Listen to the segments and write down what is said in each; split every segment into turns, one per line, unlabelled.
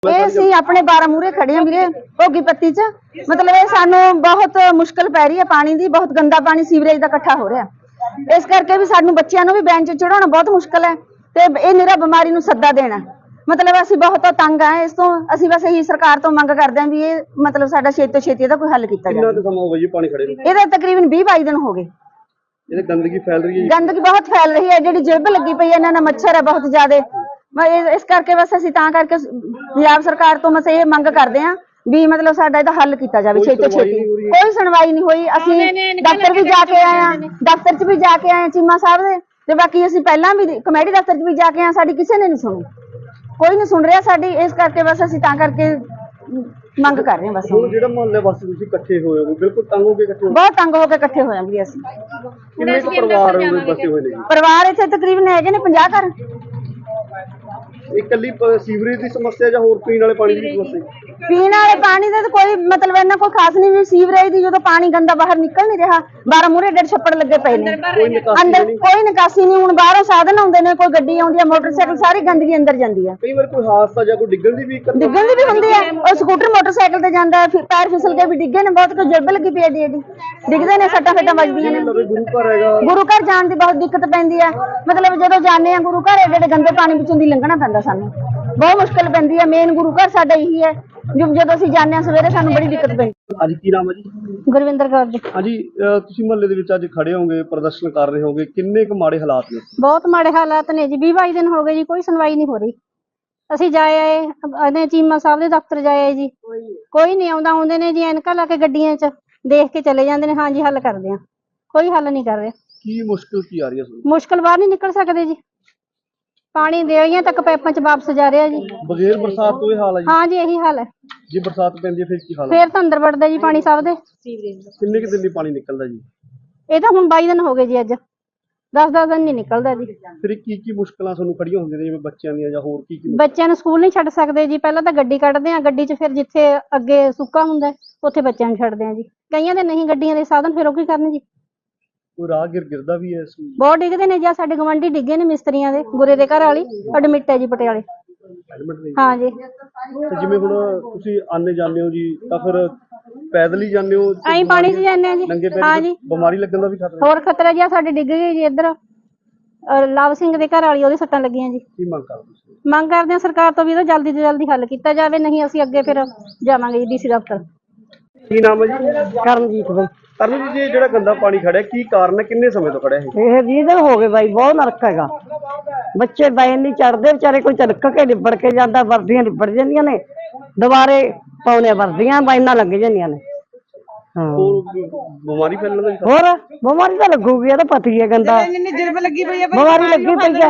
ਇਹ ਅਸੀਂ ਆਪਣੇ 12 ਮੂਰੇ ਖੜੇ ਹਾਂ ਵੀਰੇ ਭੋਗੀ ਪੱਤੀ ਚ। ਮਤਲਬ ਇਹ ਸਾਨੂੰ ਬਹੁਤ ਮੁਸ਼ਕਲ ਪੈ ਰਹੀ ਹੈ, ਪਾਣੀ ਦੀ ਬਹੁਤ ਗੰਦਾ ਪਾਣੀ ਸੀਵਰੇਜ ਦਾ ਇਕੱਠਾ ਹੋ ਰਿਹਾ। ਇਸ ਕਰਕੇ ਵੀ ਸਾਨੂੰ ਬੱਚਿਆਂ ਨੂੰ ਵੀ ਬੈਂਚ ਚੜਾਉਣਾ ਬਹੁਤ ਮੁਸ਼ਕਲ ਹੈ ਤੇ ਇਹ ਨਿਰਾ ਬਿਮਾਰੀ ਨੂੰ ਸੱਦਾ ਦੇਣਾ। ਮਤਲਬ ਅਸੀਂ ਬਹੁਤ ਤੰਗ ਆ ਇਸ ਤੋਂ। ਅਸੀਂ ਬਸ ਇਹੀ ਸਰਕਾਰ ਤੋਂ ਮੰਗ ਕਰਦੇ ਹਾਂ ਵੀ ਇਹ ਮਤਲਬ ਸਾਡਾ ਛੇਤੀ ਤੋਂ ਛੇਤੀ ਇਹਦਾ ਕੋਈ ਹੱਲ ਕੀਤਾ ਜਾਵੇ।
ਕਿੰਨਾ ਸਮਾਂ ਹੋ ਗਿਆ ਜੀ ਪਾਣੀ ਖੜੇ ਨੂੰ?
ਇਹਦਾ ਤਕਰੀਬਨ 20-22 ਦਿਨ ਹੋ ਗਏ।
ਇਹ ਗੰਦਗੀ ਫੈਲ ਰਹੀ ਹੈ ਜੀ।
ਗੰਦਗੀ ਬਹੁਤ ਫੈਲ ਰਹੀ ਹੈ, ਜਿਹੜੀ ਜਿਲਬ ਲੱਗੀ ਪਈ ਹੈ, ਇਹਨਾਂ ਨਾਲ ਮੱਛਰ ਹੈ ਬਹੁਤ ਜ਼ਿਆਦਾ। ਇਸ ਕਰਕੇ ਬਸ ਅਸੀਂ ਤਾਂ ਕਰਕੇ ਪੰਜਾਬ ਸਰਕਾਰ ਤੋਂ ਬਸ ਇਹ ਮੰਗ ਕਰਦੇ ਹਾਂ ਵੀ ਮਤਲਬ ਸਾਡਾ ਇਹਦਾ ਹੱਲ ਕੀਤਾ ਜਾਵੇ ਛੇਤੀ ਤੋਂ ਛੇਤੀ। ਕੋਈ ਸੁਣਵਾਈ ਨਹੀਂ ਹੋਈ। ਅਸੀਂ ਦਫ਼ਤਰ ਵੀ ਜਾ ਕੇ ਆਏ ਹਾਂ, ਦਫ਼ਤਰ 'ਚ ਵੀ ਜਾ ਕੇ ਆਏ ਚੀਮਾ ਸਾਹਿਬ ਦੇ, ਤੇ ਬਾਕੀ ਅਸੀਂ ਪਹਿਲਾਂ ਵੀ ਕਮੇਟੀ ਦਫ਼ਤਰ 'ਚ ਵੀ ਜਾ ਕੇ ਆਏ, ਸਾਡੀ ਕਿਸੇ ਨੇ ਨਹੀਂ ਸੁਣੀ, ਕੋਈ ਨਹੀਂ ਸੁਣ ਰਿਹਾ ਸਾਡੀ। ਇਸ ਕਰਕੇ ਬਸ ਅਸੀਂ ਤਾਂ ਕਰਕੇ ਮੰਗ ਕਰ ਰਹੇ ਹਾਂ ਬਸ।
ਹੁਣ ਜਿਹੜਾ ਮੁਹੱਲੇ ਵਾਸਤੇ ਤੁਸੀਂ ਇਕੱਠੇ ਹੋਏ ਹੋ, ਬਿਲਕੁਲ ਤੰਗ ਹੋ ਕੇ ਇਕੱਠੇ ਹੋ?
ਬਹੁਤ ਤੰਗ ਹੋ ਕੇ ਇਕੱਠੇ ਹੋ ਜਾਂਗੇ ਅਸੀਂ।
ਕਿੰਨੇ ਕੁ ਪਰਿਵਾਰ ਬਸੇ ਹੋਏ ਨੇ ਜੀ?
ਪਰਿਵਾਰ ਇੱਥੇ ਤਕਰੀਬਨ ਹੈਗੇ ਨੇ 50 ਘਰ।
ਇਕੱਲੀ ਸੀਵਰੇਜ ਦੀ ਸਮੱਸਿਆ ਜਾਂ ਹੋਰ ਪੀਣ ਵਾਲੇ ਪਾਣੀ ਦੀ ਸਮੱਸਿਆ?
ਪੀਣ ਵਾਲੇ ਪਾਣੀ ਦਾ ਤਾਂ ਕੋਈ ਮਤਲਬ ਇਹਨਾਂ ਕੋਈ ਖਾਸ ਨਹੀਂ। ਵੀ ਸੀਵਰੇਜ ਦੀ ਜਦੋਂ ਪਾਣੀ ਗੰਦਾ ਬਾਹਰ ਨਿਕਲ ਨਹੀਂ ਰਿਹਾ, 12 ਮੂਰੇ ਡੇਢ ਛੱਪੜ ਲੱਗੇ ਪਏ ਨੇ, ਅੰਦਰ ਕੋਈ ਨਿਕਾਸੀ ਨਹੀਂ। ਹੁਣ ਬਾਹਰੋਂ ਸਾਧਨ ਆਉਂਦੇ ਨੇ, ਕੋਈ ਗੱਡੀ ਆਉਂਦੀ ਹੈ, ਮੋਟਰਸਾਈਕਲ, ਸਾਰੀ ਗੰਦਗੀ ਅੰਦਰ ਜਾਂਦੀ ਹੈ।
ਕਈ ਵਾਰ ਕੋਈ ਹਾਦਸਾ ਜਾਂ ਕੋਈ ਡਿੱਗਣ ਦੀ ਵੀ
ਹੁੰਦੀ ਹੈ। ਉਹ ਸਕੂਟਰ ਮੋਟਰਸਾਈਕਲ ਤੇ ਜਾਂਦਾ, ਪੈਰ ਫਿਸਲ ਕੇ ਵੀ ਡਿੱਗੇ ਨੇ ਬਹੁਤ। ਕੋਈ ਜਲਬ ਲੱਗੀ ਪਈ ਏਡੀ ਡਿੱਗਦੇ ਨੇ, ਸੱਟਾਂ ਫੇਟਾਂ ਵੱਜਦੀਆਂ ਨੇ।
ਗੁਰੂ ਘਰ ਹੈਗਾ, ਗੁਰੂ
ਘਰ ਜਾਣ ਦੀ ਬਹੁਤ ਦਿੱਕਤ ਪੈਂਦੀ ਹੈ। ਮਤਲਬ ਜਦੋਂ ਜਾਂਦੇ ਆ ਗੁਰੂ ਘਰ ਏਡੇ ਗੰਦੇ ਪਾਣੀ ਵਿੱਚੋਂ ਦੀ ਲੰਘਣਾ ਪੈਂਦਾ ਸਾਨੂੰ, ਬਹੁਤ ਮੁਸ਼ਕਲ ਪੈਂਦੀ ਹੈ। ਮੇਨ ਗੁਰੂ ਘਰ ਸਾਡਾ ਇਹੀ ਹੈ, ਜਦੋਂ ਅਸੀਂ ਜਾਂਦੇ ਹਾਂ ਸਵੇਰੇ ਸਾਨੂੰ ਬੜੀ ਦਿੱਕਤ ਪੈਂਦੀ।
ਅੱਜ ਕੀ ਨਾਮ ਹੈ ਜੀ?
ਗੁਰਵਿੰਦਰ ਕੌਰ ਜੀ।
ਹਾਂਜੀ, ਤੁਸੀਂ ਮੁਹੱਲੇ ਦੇ ਵਿੱਚ ਅੱਜ ਖੜੇ ਹੋਗੇ, ਪ੍ਰਦਰਸ਼ਨ ਕਰ ਰਹੇ ਹੋਗੇ, ਕਿੰਨੇ ਕੁ ਮਾੜੇ ਹਾਲਾਤ ਨੇ?
ਬਹੁਤ ਮਾੜੇ ਹਾਲਾਤ ਨੇ ਜੀ। 20-22 ਦਿਨ ਹੋ ਗਏ ਜੀ, ਕੋਈ ਸੁਣਵਾਈ ਨਹੀਂ ਹੋ ਰਹੀ। ਅਸੀਂ ਜਾਏ ਆਏ ਚੀਮਾ ਸਾਹਿਬ ਦੇ ਦਫ਼ਤਰ ਜਾਏ ਜੀ, ਕੋਈ ਨਹੀਂ ਆਉਂਦਾ। ਆਉਂਦੇ ਨੇ ਜੀ ਐਨਕਾਂ ਲਾ ਕੇ ਗੱਡੀਆਂ 'ਚ, ਦੇਖ ਕੇ ਚਲੇ ਜਾਂਦੇ ਨੇ, ਹਾਂ ਜੀ ਹੱਲ ਕਰਦੇ ਆ। ਕੋਈ ਹੱਲ ਨਹੀਂ ਕਰ ਰਿਹਾ।
ਕੀ ਮੁਸ਼ਕਲ ਕੀ ਆ ਰਹੀ ਹੈ ਤੁਹਾਨੂੰ?
ਮੁਸ਼ਕਲ ਬਾਹਰ ਨਹੀਂ ਨਿਕਲ ਸਕਦੇ ਜੀ, ਪਾਣੀ ਦੇਈਆਂ ਤੱਕ ਪਾਈਪਾਂ 'ਚ ਵਾਪਸ ਜਾ ਰਿਹਾ ਜੀ।
ਬਗੈਰ ਬਰਸਾਤ ਤੋਂ ਇਹ ਹਾਲ ਹੈ ਜੀ?
ਹਾਂ ਜੀ ਇਹੀ ਹਾਲ ਹੈ।
ਜੇ ਬਰਸਾਤ ਪੈਂਦੀ ਹੈ ਫਿਰ ਕੀ ਹਾਲ ਹੈ?
ਫਿਰ ਤਾਂ ਅੰਦਰ ਵੜਦਾ ਜੀ ਪਾਣੀ ਸਭ ਦੇ।
ਕਿੰਨੇ ਕੁ ਦਿਨ ਲਈ ਪਾਣੀ ਨਿਕਲਦਾ ਜੀ?
ਇਹ ਤਾਂ ਹੁਣ 22 ਦਿਨ ਹੋ ਗਏ ਜੀ, ਅੱਜ 10-10 ਦਿਨ ਨਹੀਂ ਨਿਕਲਦਾ ਜੀ।
ਫਿਰ ਕੀ ਮੁਸ਼ਕਲਾਂ ਤੁਹਾਨੂੰ ਖੜੀਆਂ ਹੁੰਦੀਆਂ ਨੇ, ਜਿਵੇਂ ਬੱਚਿਆਂ ਦੀਆਂ ਜਾਂ ਹੋਰ ਕੀ?
ਬੱਚਿਆਂ ਨੂੰ ਸਕੂਲ ਨਹੀਂ ਛੱਡ ਸਕਦੇ ਜੀ। ਪਹਿਲਾਂ ਤਾਂ ਗੱਡੀ ਕੱਢਦੇ ਆ, ਗੱਡੀ 'ਚ ਫਿਰ ਜਿੱਥੇ ਅੱਗੇ ਸੁੱਕਾ ਹੁੰਦਾ ਉੱਥੇ ਬੱਚਿਆਂ ਨੂੰ ਛੱਡਦੇ ਆ ਜੀ। ਕਈਆਂ ਦੇ ਨਹੀਂ ਗੱਡੀਆਂ ਦੇ ਸਾਧਨ, ਫਿਰ ਉਹ ਕੀ ਕਰਨ ਜੀ?
ਕੋਈ ਰਾਹਗੀਰ ਗਿਰਦਾ ਵੀ ਹੈ?
ਬਹੁਤ ਡਿੱਗਦੇ ਨੇ ਜੀ। ਸਾਡੇ ਗਵਾਂਢੀ ਡਿੱਗੇ ਨੇ ਮਿਸਤਰੀਆਂ ਦੇ, ਗੁਰੇ ਦੇ ਘਰ ਵਾਲੀ ਐਡਮਿਟ ਹੈ ਜੀ ਪਟਿਆਲੇ। ਹਾਂ ਜੀ।
ਜਿਵੇਂ ਹੁਣ ਤੁਸੀਂ ਆਨੇ ਜਾਂਦੇ ਹੋ ਜੀ, ਤਾਂ ਫਿਰ ਪੈਦਲ ਹੀ ਜਾਂਦੇ ਹੋ?
ਐਂ ਪਾਣੀ 'ਚ ਜਾਂਦੇ ਆ ਜੀ। ਹਾਂ ਜੀ।
ਬਿਮਾਰੀ ਲੱਗਣ ਦਾ ਵੀ ਖਤਰਾ?
ਹੋਰ ਖਤਰਾ ਜੀ। ਸਾਡੇ ਡਿੱਗ ਗਏ ਜੀ ਇੱਧਰ ਲਵ ਸਿੰਘ ਦੇ ਘਰ ਵਾਲੀ, ਉਹਦੇ ਸੱਟਾਂ ਲੱਗੀਆਂ ਜੀ।
ਕੀ ਮੰਗ ਕਰਦੇ?
ਮੰਗ ਕਰਦੇ ਆ ਸਰਕਾਰ ਤੋਂ ਵੀ ਇਹਦਾ ਜਲਦੀ ਤੋਂ ਜਲਦੀ ਹੱਲ ਕੀਤਾ ਜਾਵੇ, ਨਹੀਂ ਅਸੀਂ ਅੱਗੇ ਫਿਰ ਜਾਵਾਂਗੇ ਜੀ ਡੀਸੀ ਦਫ਼ਤਰ।
ਕੀ ਨਾਮ ਹੈ ਜੀ?
ਕਰਨਜੀਤ ਬਾਈ।
ਕਰਨਜੀਤ ਜੀ, ਜਿਹੜਾ ਗੰਦਾ ਪਾਣੀ ਖੜਿਆ ਕੀ ਕਾਰਨ ਹੈ, ਕਿੰਨੇ ਸਮੇਂ ਤੋਂ ਖੜਿਆ ਹੈ?
ਇਹ 20 ਦਿਨ ਹੋ ਗਏ ਬਾਈ, ਬਹੁਤ ਨਰਕ ਹੈਗਾ। ਬੱਚੇ ਬੈਨ ਨਹੀਂ ਚੜਦੇ ਵਿਚਾਰੇ, ਕੋਈ ਚਲਕ ਕੇ ਲਿਬੜ ਕੇ ਜਾਂਦਾ, ਵਰਦੀਆਂ ਲਿਬੜ ਜਾਂਦੀਆਂ ਨੇ, ਦੁਬਾਰੇ ਪਾਉਣੇ ਵਰਦੀਆਂ ਬਾਈਨਾਂ ਲੱਗ ਜਾਂਦੀਆਂ ਨੇ।
ਹੋਰ ਬਿਮਾਰੀ ਫੈਲਣ ਦਾ ਵੀ
ਹੋਰ ਬਿਮਾਰੀ ਤਾਂ ਲੱਗੂਗੀ, ਇਹ ਤਾਂ ਪਤਾ ਹੀ ਹੈ। ਗੰਦਾ ਬਿਮਾਰੀ ਲੱਗੀ ਪਈ ਹੈ।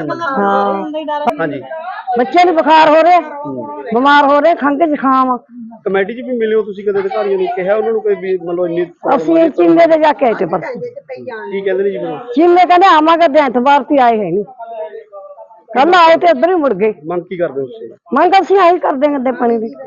ਹਾਂ
ਹਾਂਜੀ।
ਬੱਚੇ ਨੂੰ ਬੁਖਾਰ ਹੋ ਰਿਹਾ, ਬਿਮਾਰ ਹੋ ਰਹੇ, ਖੰਘ ਜ਼ੁਕਾਮ।
ਕਮੇਟੀ 'ਚ ਵੀ ਮਿਲੇ ਹੋ ਤੁਸੀਂ ਕਦੇ? ਅਧਿਕਾਰੀਆਂ ਨੂੰ ਕਿਹਾ ਉਹਨਾਂ ਨੂੰ ਕੋਈ ਵੀ ਮਤਲਬ ਇੰਨੀ?
ਅਸੀਂ ਚੀਮੇ ਤੇ ਜਾ ਕੇ ਆਏ ਤੇ ਪਰਸੋਂ।
ਕੀ ਕਹਿੰਦੇ ਨੇ ਜੀ ਫਿਰ?
ਚੀਮੇ ਕਹਿੰਦੇ ਆਵਾਂਗੇ ਤੇ ਐਤਵਾਰ ਤੇ ਆਏ ਹੈ ਨਹੀਂ, ਕੱਲ ਆਏ ਤੇ ਇੱਧਰ ਹੀ ਮੁੜ ਗਏ।
ਮੰਗ ਕੀ ਕਰਦੇ ਹੋ ਤੁਸੀਂ?
ਮੰਗ ਅਸੀਂ ਆਹੀ ਕਰਦੇ ਹਾਂ, ਗੰਦੇ ਪਾਣੀ ਦੀ।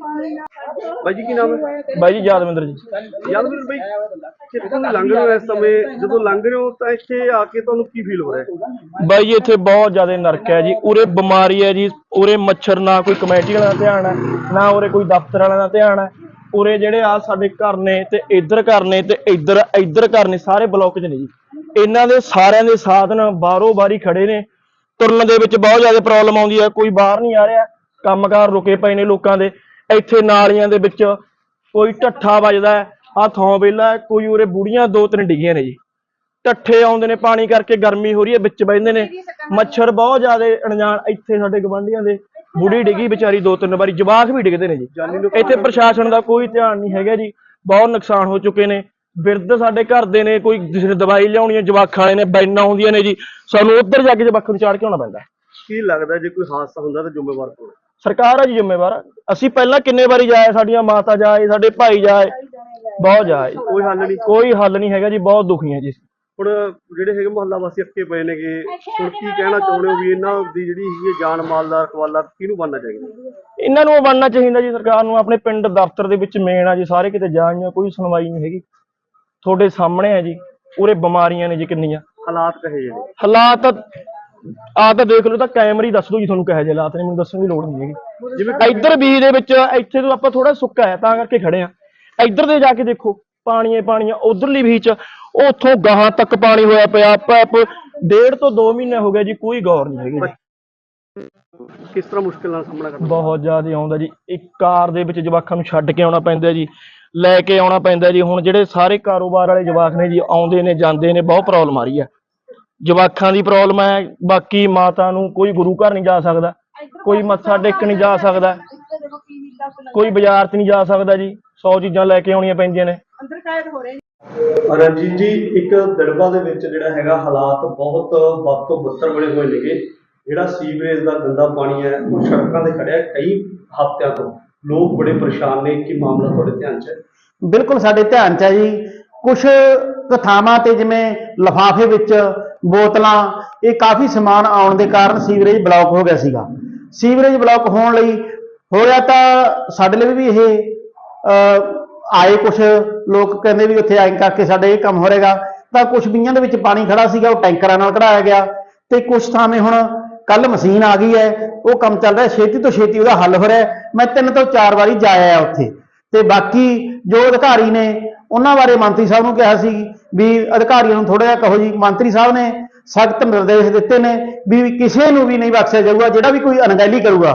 ਬਾਈ ਜੀ ਕੀ ਨਾਮ ਹੈ?
ਬਾਈ ਜੀ ਯਾਦਵਿੰਦਰ ਜੀ।
ਯਾਦਵਿੰਦਰ ਬਾਈ, ਕਿੱਥੋਂ ਦੀ ਲੰਘ ਰਹੇ ਹੋ ਇਸ ਸਮੇਂ? ਜਦੋਂ ਲੰਘ ਰਹੇ ਹੋ ਤਾਂ ਇੱਥੇ ਆ ਕੇ ਤੁਹਾਨੂੰ ਕੀ ਫੀਲ ਹੋ ਰਿਹਾ ਹੈ?
ਬਾਈ ਜੀ ਇੱਥੇ ਬਹੁਤ ਜ਼ਿਆਦਾ ਨਰਕ ਹੈ ਜੀ। ਉਰੇ ਬਿਮਾਰੀ ਹੈ ਜੀ, ਉਰੇ ਮੱਛਰ, ਨਾ ਕੋਈ ਕਮੇਟੀ ਵਾਲਾ ਦਾ ਧਿਆਨ ਹੈ, ਨਾ ਉਰੇ ਕੋਈ ਦਫ਼ਤਰ ਵਾਲਿਆਂ ਦਾ ਧਿਆਨ ਹੈ। ਉਰੇ ਜਿਹੜੇ ਆ ਸਾਡੇ ਘਰ ਨੇ, ਤੇ ਇੱਧਰ ਘਰ ਨੇ, ਤੇ ਇੱਧਰ ਘਰ ਨੇ, ਸਾਰੇ ਬਲੋਕ 'ਚ ਨੇ ਜੀ। ਇਹਨਾਂ ਦੇ ਸਾਰਿਆਂ ਦੇ ਸਾਧਨ ਬਾਹਰੋਂ ਬਾਹਰੀ ਖੜੇ ਨੇ। ਤੁਰਨ ਦੇ ਵਿੱਚ ਬਹੁਤ ਜ਼ਿਆਦਾ ਪ੍ਰੋਬਲਮ ਆਉਂਦੀ ਹੈ, ਕੋਈ ਬਾਹਰ ਨਹੀਂ ਆ ਰਿਹਾ, ਕੰਮਕਾਰ ਰੁਕੇ ਪਏ ਨੇ ਲੋਕਾਂ ਦੇ। ਇੱਥੇ ਨਾਲੀਆਂ ਦੇ ਵਿੱਚ ਕੋਈ ਢੱਠਾ ਵੱਜਦਾ ਹੈ, ਆਹ ਥੋਂ ਵਿਹਲਾ, ਕੋਈ ਉਰੇ ਬੁੜੀਆਂ 2-3 ਡਿੱਗੀਆਂ ਨੇ ਜੀ। ਢੱਠੇ ਆਉਂਦੇ ਨੇ ਪਾਣੀ ਕਰਕੇ, ਗਰਮੀ ਹੋ ਰਹੀ ਹੈ, ਵਿੱਚ ਬਹਿੰਦੇ ਨੇ, ਮੱਛਰ ਬਹੁਤ ਜ਼ਿਆਦਾ ਅਣਜਾਣ। ਇੱਥੇ ਸਾਡੇ ਗਵਾਂਢੀਆਂ ਦੇ ਬੁੜੀ ਡਿੱਗੀ ਵਿਚਾਰੀ 2-3 ਵਾਰੀ, ਜਵਾਕ ਵੀ ਡਿੱਗਦੇ ਨੇ ਜੀ। ਇੱਥੇ ਪ੍ਰਸ਼ਾਸਨ ਦਾ ਕੋਈ ਧਿਆਨ ਨਹੀਂ ਹੈਗਾ ਜੀ। ਬਹੁਤ ਨੁਕਸਾਨ ਹੋ ਚੁੱਕੇ ਨੇ। ਬਿਰਧ ਸਾਡੇ ਘਰ ਦੇ ਨੇ, ਕੋਈ ਕਿਸੇ ਨੇ ਦਵਾਈ ਲਿਆਉਣੀ ਹੈ, ਜਵਾਕਾਂ ਵਾਲੇ ਨੇ, ਬੈਨਾਂ ਆਉਂਦੀਆਂ ਨੇ ਜੀ, ਸਾਨੂੰ ਉੱਧਰ ਜਾ ਕੇ ਜਵਾਕਾਂ ਨੂੰ ਚਾੜ ਕੇ ਆਉਣਾ ਪੈਂਦਾ।
ਕੀ ਲੱਗਦਾ ਜੇ ਕੋਈ ਹਾਦਸਾ ਹੁੰਦਾ ਤਾਂ ਜ਼ਿੰਮੇਵਾਰ ਕੌਣ?
ਸਰਕਾਰ ਆ ਜੀ ਜ਼ਿੰਮੇਵਾਰ। ਅਸੀਂ ਪਹਿਲਾਂ ਕਿੰਨੇ ਵਾਰੀ ਜਾਏ, ਸਾਡੀਆਂ ਮਾਤਾ ਜਾਏ, ਸਾਡੇ ਭਾਈ ਜਾਏ, ਬਹੁਤ ਜਾਏ,
ਕੋਈ ਹੱਲ ਨਹੀਂ?
ਕੋਈ ਹੱਲ ਨਹੀਂ ਹੈਗਾ ਜੀ। ਬਹੁਤ ਦੁਖੀ ਹੈ ਜੀ।
ਹੁਣ ਜਿਹੜੇ ਹੈਗੇ ਮੁਹੱਲਾ ਵਾਸੀ ਅੱਕੇ ਪਏ ਨੇਗੇ, ਹੁਣ ਕੀ ਕਹਿਣਾ ਚਾਹੁੰਦੇ ਹੋ ਵੀ ਇਹਨਾਂ ਦੀ ਜਿਹੜੀ ਹੈਗੀ ਜਾਨ ਮਾਲ ਦਾ ਰਖਵਾਲਾ ਕਿਹਨੂੰ ਬਣਨਾ ਚਾਹੀਦਾ?
ਇਹਨਾਂ ਨੂੰ ਬਣਨਾ ਚਾਹੀਦਾ ਜੀ ਸਰਕਾਰ ਨੂੰ। ਆਪਣੇ ਪਿੰਡ ਦਫ਼ਤਰ ਦੇ ਵਿੱਚ ਮੇਨ ਆ ਜੀ, ਸਾਰੇ ਕਿਤੇ ਜਾਈਆਂ, ਕੋਈ ਸੁਣਵਾਈ ਨਹੀਂ ਹੈਗੀ। ਤੁਹਾਡੇ ਸਾਹਮਣੇ ਹੈ ਜੀ, ਉਰੇ ਬਿਮਾਰੀਆਂ ਨੇ ਜੀ ਕਿੰਨੀਆਂ।
ਹਾਲਾਤ ਕਹੇ ਜਿਹੜੇ?
ਹਾਲਾਤ ਆ ਤਾਂ ਦੇਖ ਲਓ, ਤਾਂ ਕੈਮਰੇ ਹੀ ਦੱਸ ਦੂ ਜੀ ਤੁਹਾਨੂੰ ਕਿਹੋ ਜਿਹੇ ਹਾਲਾਤ ਨੇ, ਮੈਨੂੰ ਦੱਸਣ ਦੀ ਲੋੜ ਨਹੀਂ ਹੈਗੀ। ਜਿਵੇਂ ਇੱਧਰ ਬੀਜ ਦੇ ਵਿੱਚ ਇੱਥੇ ਤੋਂ ਆਪਾਂ ਥੋੜਾ ਸੁੱਕਾ ਹੈ ਤਾਂ ਕਰਕੇ ਖੜੇ ਆ, ਇੱਧਰ ਦੇ ਜਾ ਕੇ ਦੇਖੋ ਪਾਣੀ ਹੈ ਪਾਣੀ ਆ, ਉਧਰਲੀ ਬੀਚ ਉੱਥੋਂ ਗਾਹਾਂ ਤੱਕ ਪਾਣੀ ਹੋਇਆ ਪਿਆ, ਪੈਪ 1.5 ਤੋਂ 2 ਮਹੀਨੇ ਹੋ ਗਏ ਜੀ, ਕੋਈ ਗੌਰ ਨਹੀਂ ਹੈਗੀ।
ਕਿਸ ਤਰ੍ਹਾਂ ਮੁਸ਼ਕਿਲ ਨਾਲ ਸਾਹਮਣਾ ਕਰਨਾ?
ਬਹੁਤ ਜ਼ਿਆਦਾ ਆਉਂਦਾ ਜੀ, ਇੱਕ ਕਾਰ ਦੇ ਵਿੱਚ ਜਵਾਕਾਂ ਨੂੰ ਛੱਡ ਕੇ ਆਉਣਾ ਪੈਂਦਾ ਜੀ, ਲੈ ਕੇ ਆਉਣਾ ਪੈਂਦਾ ਜੀ। ਹੁਣ ਜਿਹੜੇ ਸਾਰੇ ਕਾਰੋਬਾਰ ਵਾਲੇ ਜਵਾਕ ਨੇ ਜੀ, ਆਉਂਦੇ ਨੇ ਜਾਂਦੇ ਨੇ, ਬਹੁਤ ਪ੍ਰੋਬਲਮ ਆ ਰਹੀ ਹੈ, ਜਵਾਕਾਂ ਦੀ ਪ੍ਰੋਬਲਮ ਹੈ। ਬਾਕੀ ਮਾਤਾ ਨੂੰ ਕੋਈ ਗੁਰੂ ਘਰ ਨਹੀਂ ਜਾ ਸਕਦਾ, ਕੋਈ ਮੱਥਾ ਟੇਕਣ ਨਹੀਂ ਜਾ ਸਕਦਾ, ਕੋਈ ਬਾਜ਼ਾਰ 'ਚ ਨਹੀਂ ਜਾ ਸਕਦਾ ਜੀ, 100 ਚੀਜ਼ਾਂ ਲੈ ਕੇ ਆਉਣੀਆਂ ਪੈਂਦੀਆਂ ਨੇ।
ਰਣਜੀਤ ਜੀ, ਇੱਕ ਦੜਬਾ ਦੇ ਵਿੱਚ ਜਿਹੜਾ ਹੈਗਾ ਹਾਲਾਤ ਬਹੁਤ ਵੱਧ ਤੋਂ ਬੱਤਰ ਬਣੇ ਹੋਏ ਨੇਗੇ। ਜਿਹੜਾ ਸੀਵਰੇਜ ਦਾ ਗੰਦਾ ਪਾਣੀ ਹੈ ਉਹ ਸੜਕਾਂ ਤੇ ਖੜਿਆ ਕਈ ਹਫ਼ਤਿਆਂ ਤੋਂ, ਲੋਕ ਬੜੇ ਪਰੇਸ਼ਾਨ ਨੇ। ਕੀ ਮਾਮਲਾ ਤੁਹਾਡੇ ਧਿਆਨ 'ਚ ਹੈ?
ਬਿਲਕੁਲ ਸਾਡੇ ਧਿਆਨ 'ਚ ਹੈ ਜੀ। ਕੁਝ ਥਾਵਾਂ ਤੇ ਜਿਵੇਂ ਲਿਫਾਫੇ ਵਿੱਚ ਬੋਤਲਾਂ, ਇਹ ਕਾਫੀ ਸਮਾਨ ਆਉਣ ਦੇ ਕਾਰਨ ਸੀਵਰੇਜ ਬਲੌਕ ਹੋ ਗਿਆ ਸੀਗਾ। ਸੀਵਰੇਜ ਬਲੌਕ ਹੋਣ ਲਈ ਹੋਇਆ ਤਾਂ ਸਾਡੇ ਲਈ ਵੀ ਇਹ ਆਏ, ਕੁਝ ਲੋਕ ਕਹਿੰਦੇ ਵੀ ਉੱਥੇ ਆਏ ਕਰਕੇ ਸਾਡੇ ਇਹ ਕੰਮ ਹੋ ਰਹੇਗਾ, ਤਾਂ ਕੁਝ ਬੀਆਂ ਦੇ ਵਿੱਚ ਪਾਣੀ ਖੜਾ ਸੀਗਾ, ਉਹ ਟੈਂਕਰਾਂ ਨਾਲ ਕਢਾਇਆ ਗਿਆ। ਤੇ ਕੁਝ ਥਾਵੇਂ ਹੁਣ ਕੱਲ ਮਸ਼ੀਨ ਆ ਗਈ ਹੈ, ਉਹ ਕੰਮ ਚੱਲ ਰਿਹਾ, ਛੇਤੀ ਤੋਂ ਛੇਤੀ ਉਹਦਾ ਹੱਲ ਹੋ ਰਿਹਾ। ਮੈਂ 3 ਤੋਂ 4 ਵਾਰੀ ਜਾ ਆਇਆ ਉੱਥੇ, ਤੇ ਬਾਕੀ ਜੋ ਅਧਿਕਾਰੀ ਨੇ ਉਹਨਾਂ ਬਾਰੇ ਮੰਤਰੀ ਸਾਹਿਬ ਨੂੰ ਕਿਹਾ ਸੀ ਵੀ ਅਧਿਕਾਰੀਆਂ ਨੂੰ ਥੋੜਾ ਜਿਹਾ ਕਹੋ ਜੀ। ਮੰਤਰੀ ਸਾਹਿਬ ਨੇ ਸਖਤ ਨਿਰਦੇਸ਼ ਦਿੱਤੇ ਨੇ ਵੀ ਕਿਸੇ ਨੂੰ ਵੀ ਨਹੀਂ ਬਖਸ਼ਿਆ ਜਾਊਗਾ ਜਿਹੜਾ ਵੀ ਕੋਈ ਅਣਗਹਿਲੀ ਕਰੂਗਾ।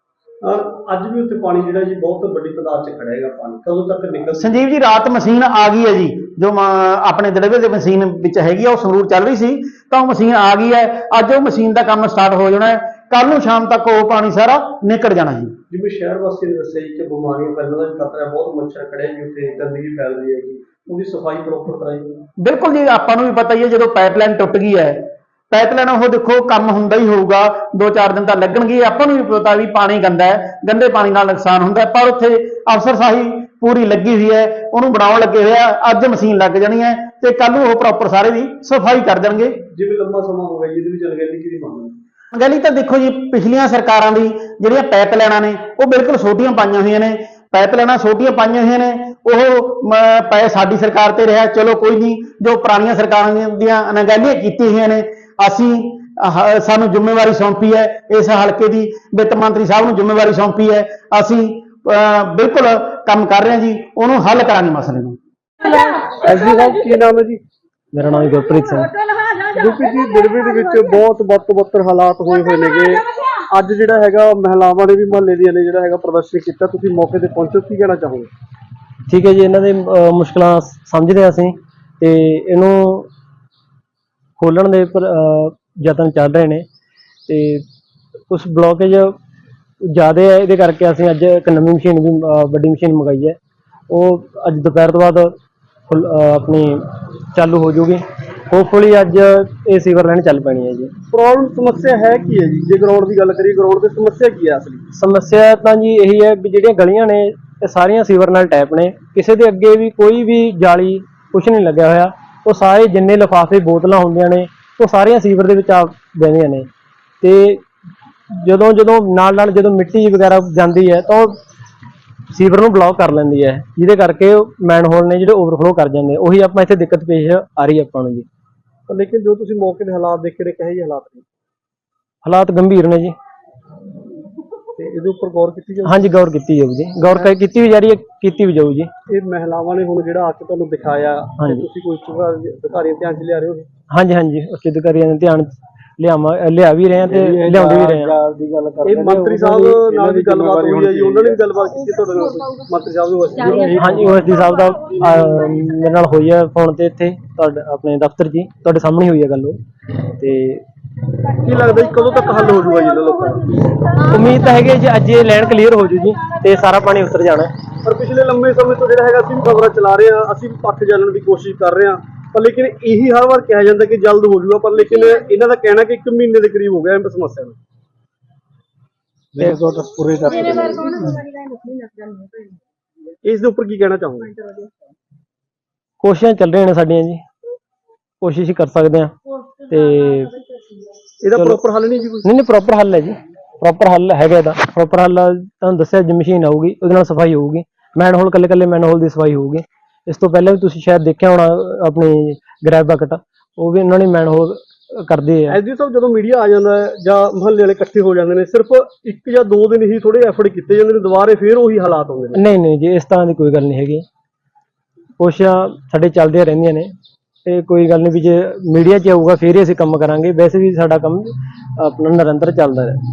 ਅੱਜ ਵੀ ਉੱਥੇ ਪਾਣੀ ਜਿਹੜਾ ਜੀ ਬਹੁਤ ਵੱਡੀ ਤਾਦਾਦ 'ਚ ਖੜਿਆ ਹੈਗਾ। ਪਾਣੀ ਕਦੋਂ ਤੱਕ ਨਿਕਲ?
ਸੰਜੀਵ ਜੀ, ਰਾਤ ਮਸ਼ੀਨ ਆ ਗਈ ਹੈ ਜੀ, ਜੋ ਆਪਣੇ ਦੜਬੇ ਦੇ ਮਸ਼ੀਨ ਵਿੱਚ ਹੈਗੀ ਆ, ਉਹ ਸੰਗਰੂਰ ਚੱਲ ਰਹੀ ਸੀ, ਤਾਂ ਉਹ ਮਸ਼ੀਨ ਆ ਗਈ ਹੈ। ਅੱਜ ਉਹ ਮਸ਼ੀਨ ਦਾ ਕੰਮ ਸਟਾਰਟ ਹੋ ਜਾਣਾ ਹੈ, ਕੱਲ ਨੂੰ ਸ਼ਾਮ ਤੱਕ ਉਹ ਪਾਣੀ ਸਾਰਾ ਨਿਕਲ ਜਾਣਾ ਜੀ।
ਜਿਵੇਂ ਸ਼ਹਿਰ ਵਾਸੀ ਨੇ ਦੱਸਿਆ ਜੀ ਕਿ ਬਿਮਾਰੀਆਂ ਫੈਲਣ ਦਾ ਖਤਰਾ ਹੈ, ਬਹੁਤ ਮੱਛਰ ਖੜਿਆ ਜੀ ਉੱਥੇ, ਗੰਦਗੀ ਫੈਲ ਰਹੀ ਹੈਗੀ, ਉਹਦੀ ਸਫਾਈ ਪ੍ਰੋਪਰ ਕਰਾਈ?
ਬਿਲਕੁਲ ਜੀ, ਆਪਾਂ ਨੂੰ ਵੀ ਪਤਾ ਹੀ ਹੈ, ਜਦੋਂ ਪਾਈਪਲਾਈਨ ਟੁੱਟ ਗਈ ਹੈ, ਪਾਈਪਲਾਈਨ ਉਹ ਦੇਖੋ ਕੰਮ ਹੁੰਦਾ ਹੀ ਹੋਊਗਾ, 2-4 ਦਿਨ ਤਾਂ ਲੱਗਣਗੇ। ਆਪਾਂ ਨੂੰ ਵੀ ਪਤਾ ਵੀ ਪਾਣੀ ਗੰਦਾ ਹੈ, ਗੰਦੇ ਪਾਣੀ ਨਾਲ ਨੁਕਸਾਨ ਹੁੰਦਾ ਹੈ, ਪਰ ਉੱਥੇ ਅਫਸਰਸ਼ਾਹੀ ਪੂਰੀ ਲੱਗੀ ਹੋਈ ਹੈ, ਉਹਨੂੰ ਬਣਾਉਣ ਲੱਗੇ ਹੋਏ ਆ। ਅੱਜ ਮਸ਼ੀਨ ਲੱਗ ਜਾਣੀ ਹੈ ਤੇ ਕੱਲ ਨੂੰ ਉਹ ਪ੍ਰੋਪਰ ਸਾਰੇ ਦੀ ਸਫਾਈ ਕਰ ਦੇਣਗੇ।
ਜਿਵੇਂ ਲੰਬਾ ਸਮਾਂ ਹੋ ਗਿਆ ਜੀ, ਇਹਦੇ ਵਿੱਚ ਅਣਗਹਿਲੀ ਕਿਹਦੀ ਮੰਗ?
ਅਣਗਹਿਲੀ ਤਾਂ ਦੇਖੋ ਜੀ, ਪਿਛਲੀਆਂ ਸਰਕਾਰਾਂ ਦੀ ਜਿਹੜੀਆਂ ਪਾਈਪਲਾਈਨਾਂ ਨੇ ਉਹ ਬਿਲਕੁਲ ਛੋਟੀਆਂ ਪਾਈਆਂ ਹੋਈਆਂ ਨੇ, ਪਾਈਪਲਾਈਨਾਂ ਛੋਟੀਆਂ ਪਾਈਆਂ ਹੋਈਆਂ ਨੇ, ਉਹ ਪੈ ਸਾਡੀ ਸਰਕਾਰ ਤੇ ਰਿਹਾ। ਚਲੋ ਕੋਈ ਨਹੀਂ, ਜੋ ਪੁਰਾਣੀਆਂ ਸਰਕਾਰਾਂ ਦੀਆਂ ਅਣਗਹਿਲੀਆਂ ਕੀਤੀਆਂ ਹੋਈਆਂ ਨੇ, ਅਸੀਂ ਸਾਨੂੰ ਜ਼ਿੰਮੇਵਾਰੀ ਸੌਂਪੀ ਹੈ, ਇਸ ਹਲਕੇ ਦੀ ਵਿੱਤ ਮੰਤਰੀ ਸਾਹਿਬ ਨੂੰ ਜ਼ਿੰਮੇਵਾਰੀ ਸੌਂਪੀ ਹੈ, ਅਸੀਂ ਬਿਲਕੁਲ ਕੰਮ ਕਰ ਰਹੇ ਹਾਂ ਜੀ, ਉਹਨੂੰ ਹੱਲ ਕਰਾਂਗੇ ਮਸਲੇ ਨੂੰ।
ਐਸਡੀ ਸਾਹਿਬ, ਕੀ ਨਾਮ ਹੈ ਜੀ?
ਮੇਰਾ ਨਾਮ ਗੁਰਪ੍ਰੀਤ ਸਿੰਘ।
ਕਿਉਂਕਿ ਜੀ ਦੜਬੇ ਦੇ ਵਿੱਚ ਬਹੁਤ ਵੱਧ ਤੋਂ ਬੱਤਰ ਹਾਲਾਤ ਹੋਏ ਨੇਗੇ। ਅੱਜ ਜਿਹੜਾ ਹੈਗਾ ਮਹਿਲਾਵਾਂ ਨੇ ਵੀ ਮੁਹੱਲੇ ਦੀਆਂ ਨੇ ਜਿਹੜਾ ਹੈਗਾ ਪ੍ਰਦਰਸ਼ਨ ਕੀਤਾ, ਤੁਸੀਂ ਮੌਕੇ ਤੇ ਪਹੁੰਚੋ, ਕੀ ਕਹਿਣਾ ਚਾਹੋਗੇ?
ਠੀਕ ਹੈ ਜੀ, ਇਹਨਾਂ ਦੇ ਮੁਸ਼ਕਲਾਂ ਸਮਝਦੇ ਹਾਂ ਅਸੀਂ, ਤੇ ਇਹਨੂੰ ਖੋਲਣ ਦੇ ਯਤਨ ਚੱਲ ਰਹੇ ਨੇ, ਤੇ ਕੁਝ ਬਲੋਕੇਜ ਜ਼ਿਆਦਾ ਹੈ, ਇਹਦੇ ਕਰਕੇ ਅਸੀਂ ਅੱਜ ਇੱਕ ਨਵੀਂ ਮਸ਼ੀਨ ਵੀ ਵੱਡੀ ਮਸ਼ੀਨ ਮੰਗਾਈ ਹੈ, ਉਹ ਅੱਜ ਦੁਪਹਿਰ ਤੋਂ ਬਾਅਦ ਆਪਣੀ ਚਾਲੂ ਹੋ ਜੂਗੀ। ਹੋਪਫੁਲੀ ਅੱਜ ਇਹ ਸੀਵਰ ਲਾਈਨ ਚੱਲ ਪੈਣੀ ਹੈ ਜੀ।
ਪ੍ਰੋਬਲਮ ਸਮੱਸਿਆ ਹੈ ਕੀ ਹੈ ਜੀ? ਜੇ ਗਰਾਊਂਡ ਦੀ ਗੱਲ ਕਰੀਏ, ਗਰਾਊਂਡ ਦੀ ਸਮੱਸਿਆ ਕੀ ਹੈ ਅਸਲੀ?
ਸਮੱਸਿਆ ਤਾਂ ਜੀ ਇਹੀ ਹੈ ਵੀ ਜਿਹੜੀਆਂ ਗਲੀਆਂ ਨੇ ਇਹ ਸਾਰੀਆਂ ਸੀਵਰ ਨਾਲ ਟੈਪ ਨੇ, ਕਿਸੇ ਦੇ ਅੱਗੇ ਵੀ ਕੋਈ ਵੀ ਜਾਲੀ ਕੁਛ ਨਹੀਂ ਲੱਗਿਆ ਹੋਇਆ, ਉਹ ਸਾਰੇ ਜਿੰਨੇ ਲਿਫਾਫੇ ਬੋਤਲਾਂ ਹੁੰਦੀਆਂ ਨੇ ਉਹ ਸਾਰੀਆਂ ਸੀਵਰ ਦੇ ਵਿੱਚ ਆ ਬਹਿੰਦੀਆਂ ਨੇ, ਤੇ ਜਦੋਂ ਨਾਲ ਜਦੋਂ ਮਿੱਟੀ ਵਗੈਰਾ ਜਾਂਦੀ ਹੈ ਤਾਂ ਉਹ ਸੀਵਰ ਨੂੰ ਬਲੌਕ ਕਰ ਲੈਂਦੀ ਹੈ, ਜਿਹਦੇ ਕਰਕੇ ਮੈਨਹੋਲ ਨੇ ਜਿਹੜੇ ਓਵਰਫਲੋ ਕਰ ਜਾਂਦੇ। ਉਹੀ ਆਪਾਂ ਇੱਥੇ ਦਿੱਕਤ ਪੇਸ਼ ਆ ਰਹੀ ਆਪਾਂ ਨੂੰ ਜੀ।
ਲੇਕਿਨ ਜੋ ਤੁਸੀਂ ਮੌਕੇ ਦੇ ਹਾਲਾਤ ਦੇਖੇ ਨੇ, ਕਹੇ ਜਿਹੇ ਹਾਲਾਤ ਨੇ?
ਹਾਲਾਤ ਗੰਭੀਰ ਨੇ ਜੀ,
ਤੇ ਇਹਦੇ ਉੱਪਰ ਗੌਰ ਕੀਤੀ ਜਾਊ?
ਹਾਂਜੀ, ਗੌਰ ਕੀਤੀ ਜਾਊ ਜੀ, ਗੌਰ ਕੀਤੀ ਵੀ ਜਾ ਰਹੀ ਹੈ, ਕੀਤੀ ਵੀ ਜਾਊ ਜੀ।
ਇਹ ਮਹਿਲਾਵਾਂ ਨੇ ਹੁਣ ਜਿਹੜਾ ਆ ਕੇ ਤੁਹਾਨੂੰ ਦਿਖਾਇਆ, ਤੇ ਤੁਸੀਂ ਕੋਈ ਅਧਿਕਾਰੀਆਂ ਧਿਆਨ 'ਚ ਲਿਆ ਰਹੇ ਹੋ?
ਹਾਂਜੀ, ਉੱਚ ਅਧਿਕਾਰੀਆਂ ਦੇ ਧਿਆਨ ਲਿਆ ਵੀ ਰਹੇ ਆ ਤੇ ਲਿਆਉਂਦੇ ਵੀ ਰਹੇ ਆ।
ਇਹ ਮੰਤਰੀ ਸਾਹਿਬ ਨਾਲ ਵੀ ਗੱਲਬਾਤ ਹੋਈ ਹੈ ਜੀ, ਉਹਨਾਂ ਨੇ ਵੀ ਗੱਲਬਾਤ ਕੀਤੀ ਤੁਹਾਡੇ ਨਾਲ? ਮੰਤਰੀ ਸਾਹਿਬ ਨੂੰ?
ਹਾਂਜੀ, ਓਐਸਡੀ ਸਾਹਿਬ ਦਾ ਮੇਰੇ ਨਾਲ ਹੋਈ ਹੈ ਫੋਨ ਤੇ, ਇੱਥੇ ਤੁਹਾਡੇ ਆਪਣੇ ਦਫ਼ਤਰ ਜੀ, ਤੁਹਾਡੇ ਸਾਹਮਣੇ ਹੋਈ ਹੈ ਗੱਲ ਉਹ। ਤੇ
ਕੀ ਲੱਗਦਾ ਜੀ ਕਦੋਂ ਤੱਕ ਹੱਲ ਹੋ ਜਾਊਗਾ ਜੀ ਇਹਨਾਂ ਲੋਕਾਂ ਦਾ?
ਉਮੀਦ ਤਾਂ ਹੈਗੀ ਜੀ ਅੱਜ ਇਹ ਲਾਈਨ ਕਲੀਅਰ ਹੋ ਜੂ ਜੀ, ਤੇ ਸਾਰਾ ਪਾਣੀ ਉਤਰ ਜਾਣਾ।
ਪਰ ਪਿਛਲੇ ਲੰਮੇ ਸਮੇਂ ਤੋਂ ਜਿਹੜਾ ਹੈਗਾ ਅਸੀਂ ਵੀ ਖਬਰਾਂ ਚਲਾ ਰਹੇ ਹਾਂ, ਅਸੀਂ ਵੀ ਪੱਖ ਜਾਣਨ ਦੀ ਕੋਸ਼ਿਸ਼ ਕਰ ਰਹੇ ਹਾਂ, ਪਰ ਲੇਕਿਨ ਇਹੀ ਹਰ ਵਾਰ ਕਿਹਾ ਜਾਂਦਾ ਕਿ ਜਲਦ ਹੋ ਜਾਊਗਾ, ਪਰ ਲੇਕਿਨ ਇਹਨਾਂ ਦਾ ਕਹਿਣਾ ਕਿ 1 ਮਹੀਨੇ ਦੇ ਕਰੀਬ ਹੋ ਗਿਆ ਇਸ ਸਮੱਸਿਆ ਨੂੰ। ਇਸ ਦੇ ਉੱਪਰ ਕੀ ਕਹਿਣਾ ਚਾਹੋਗੇ?
ਕੋਸ਼ਿਸ਼ਾਂ ਚੱਲ ਰਹੀਆਂ ਨੇ ਸਾਡੀਆਂ ਜੀ, ਕੋਸ਼ਿਸ਼ ਹੀ ਕਰ ਸਕਦੇ ਹਾਂ, ਤੇ
ਇਹਦਾ ਪ੍ਰੋਪਰ ਹੱਲ ਨਹੀਂ ਜੀ ਕੋਈ?
ਨਹੀਂ, ਪ੍ਰੋਪਰ ਹੱਲ ਹੈ ਜੀ, ਪ੍ਰੋਪਰ ਹੱਲ ਹੈਗਾ ਇਹਦਾ। ਪ੍ਰੋਪਰ ਹੱਲ ਤੁਹਾਨੂੰ ਦੱਸਿਆ ਜੀ, ਮਸ਼ੀਨ ਆਊਗੀ, ਉਹਦੇ ਨਾਲ ਸਫਾਈ ਹੋਊਗੀ, ਮੈਨਹੋਲ ਕੱਲੇ ਮੈਨਹੋਲ ਦੀ ਸਫਾਈ ਹੋਊਗੀ। ਇਸ ਤੋਂ ਪਹਿਲਾਂ ਵੀ ਤੁਸੀਂ ਸ਼ਾਇਦ ਦੇਖਿਆ ਹੋਣਾ ਆਪਣੀ ਗ੍ਰੈਬ ਬਕਟ, ਉਹ ਵੀ ਉਹਨਾਂ ਨੇ ਮੈਨਹੋਲ ਕਰਦੇ ਆ।
ਐਸਡੀ ਸਾਹਿਬ, ਜਦੋਂ ਮੀਡੀਆ ਆ ਜਾਂਦਾ ਹੈ ਜਾਂ ਮੁਹੱਲੇ ਵਾਲੇ ਇਕੱਠੇ ਹੋ ਜਾਂਦੇ ਨੇ, ਸਿਰਫ 1 ਜਾਂ 2 ਦਿਨ ਹੀ ਥੋੜੇ ਐਫਰਟ ਕੀਤੇ ਜਾਂਦੇ ਨੇ, ਦੁਬਾਰੇ ਫੇਰ ਉਹੀ ਹਾਲਾਤ ਹੁੰਦੇ ਨੇ।
ਨਹੀਂ ਨਹੀਂ ਜੀ, ਇਸ ਤਰ੍ਹਾਂ ਦੀ ਕੋਈ ਗੱਲ ਨਹੀਂ ਹੈਗੀ। ਕੋਸ਼ਿਸ਼ਾਂ ਸਾਡੇ ਚੱਲਦੀਆਂ ਰਹਿੰਦੀਆਂ ਨੇ, ਤੇ ਕੋਈ ਗੱਲ ਨਹੀਂ ਵੀ ਜੇ ਮੀਡੀਆ 'ਚ ਆਊਗਾ ਫੇਰ ਹੀ ਅਸੀਂ ਕੰਮ ਕਰਾਂਗੇ। ਵੈਸੇ ਵੀ ਸਾਡਾ ਕੰਮ ਆਪਣਾ ਨਿਰੰਤਰ ਚੱਲਦਾ ਹੈ।